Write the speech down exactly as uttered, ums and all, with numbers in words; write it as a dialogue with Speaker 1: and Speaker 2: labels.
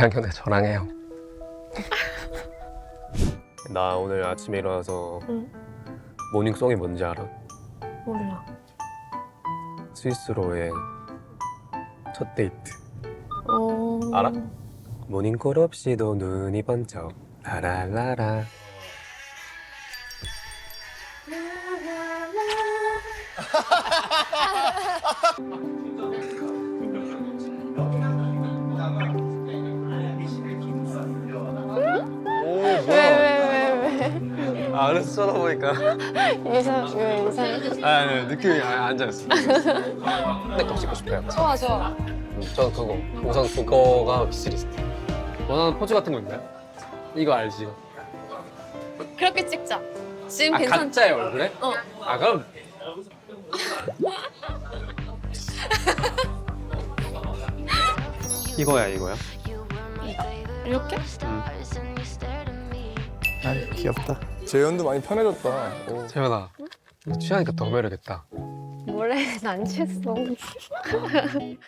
Speaker 1: 대학교 때 저랑 해요.
Speaker 2: 나 오늘 아침에 일어나서
Speaker 3: 응.
Speaker 2: 모닝송이 뭔지 알아?
Speaker 3: 몰라.
Speaker 2: 스위스로의 첫 데이트.
Speaker 3: 어...
Speaker 2: 알아? 모닝콜 없이도 눈이 번쩍 라라라라. 오,
Speaker 3: 왜, 왜, 왜,
Speaker 2: 아, 안에서 쳐다보니까.
Speaker 3: 왜? 이상, 왜 이상해?
Speaker 2: 아, 아니, 느낌이 아, 앉아있어. 내거 찍고 싶어요.
Speaker 3: 좋아, 좋아.
Speaker 2: 음, 저 그거. 우선 그거가 비스리스트. 원하는 포즈 같은 거 있나요? 이거 알지?
Speaker 3: 그렇게 찍자. 지금
Speaker 2: 아,
Speaker 3: 괜찮지?
Speaker 2: 가짜의 얼굴에?
Speaker 3: 어.
Speaker 2: 아, 그럼. 이거야, 이거야.
Speaker 3: 이렇게?
Speaker 4: 아 귀엽다. 재현도 많이 편해졌다. 오.
Speaker 2: 재현아, 이거 취하니까 더 매력있다.
Speaker 3: 원래 난 취했어.